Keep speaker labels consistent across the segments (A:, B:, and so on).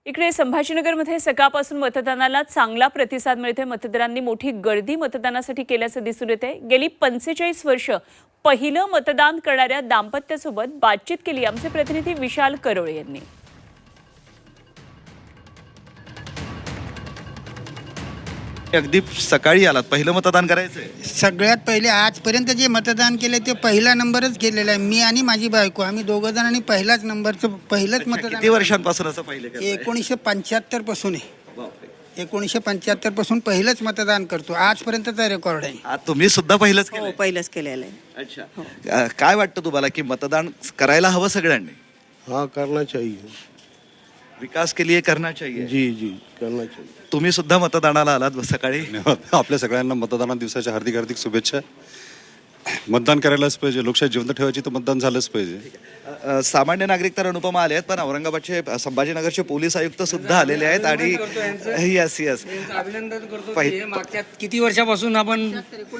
A: इकडे संभाजीनगरमध्ये सकाळपासून मतदानाला चांगला प्रतिसाद मिळतोय। मतदारांनी मोठी गर्दी मतदानासाठी केल्याचं दिसून येते। गेली 45 वर्ष पहिलं मतदान करणाऱ्या दाम्पत्यासोबत बातचीत केली आमचे प्रतिनिधी विशाल करोळे यांनी।
B: अगदी सकाळी आलात, पहिलं मतदान करायचंय?
C: सगळ्यात पहिले आजपर्यंत जे मतदान केले ते पहिला नंबरच केलेला आहे। मी आणि माझी बायको आम्ही दोघं जणांनी पहिलाच नंबरचं पहिलंच मतदान।
B: किती वर्षांपासून असं पाहिलं?
C: 1975 पासून आहे।
B: बापरे,
C: 1975 पासून पहिलंच मतदान करतो, आजपर्यंतचा रेकॉर्ड आहे।
B: आज तुम्ही सुद्धा पहिलंच
D: हो,
B: केलंय?
D: पहिलंच केलेलं आहे।
B: अच्छा, काय वाटतं तुम्हाला की मतदान करायला हवं सगळ्यांनी?
E: हाँ, करना चाहिए।
B: विकास के लिए करना चाहिए।
E: जी जी, करना चाहिए।
B: तुम्ही सुद्धा मतदानाला आलात सकाळी?
F: आपल्या सगळ्यांना मतदाना दिवसाच्या हार्दिक हार्दिक शुभेच्छा। मतदान करायलाच पाहिजे, लोकशाही जिवंत ठेवायची तर मतदान झालंच पाहिजे।
B: सामान्य नागरिक तर अनुपमा आले आहेत, पण औरंगाबादचे संभाजीनगरचे पोलीस आयुक्त सुद्धा आलेले आहेत आणि यस यस
G: अभिनंदन करतो। हे मागच्या किती वर्षापासून आपण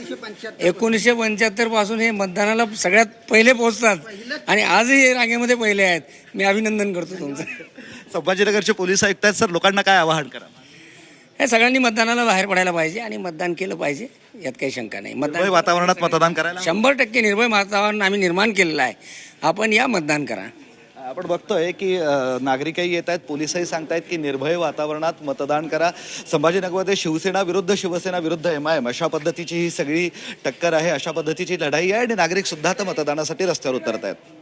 G: 1975 पासून हे मतदानाला सगळ्यात पहिले पोहोचतात आणि आजही हे रांगेमध्ये पहिले आहेत। मी अभिनंदन करतो तुमचं।
B: संभाजीनगरचे पोलीस आयुक्त आहेत सर, लोकांना काय आवाहन करा?
G: हे सगळ्यांनी मतदानाला बाहेर पडायला पाहिजे आणि मतदान केलं पाहिजे, यात काही शंका नाही।
B: निर्भय वातावरणात मतदान करायला
G: 100% निर्भय वातावरण आम्ही निर्माण केलेलं आहे। आपण या मतदान करा।
B: आपण बघतोय की नागरिकही येत आहेत, पोलिसही सांगतायत की निर्भय वातावरणात मतदान करा। संभाजीनगरमध्ये शिवसेना विरुद्ध शिवसेना विरुद्ध MIM अशा पद्धतीची ही सगळी टक्कर आहे, अशा पद्धतीची लढाई आहे आणि नागरिक सुद्धा आता मतदानासाठी रस्त्यावर उतरत आहेत।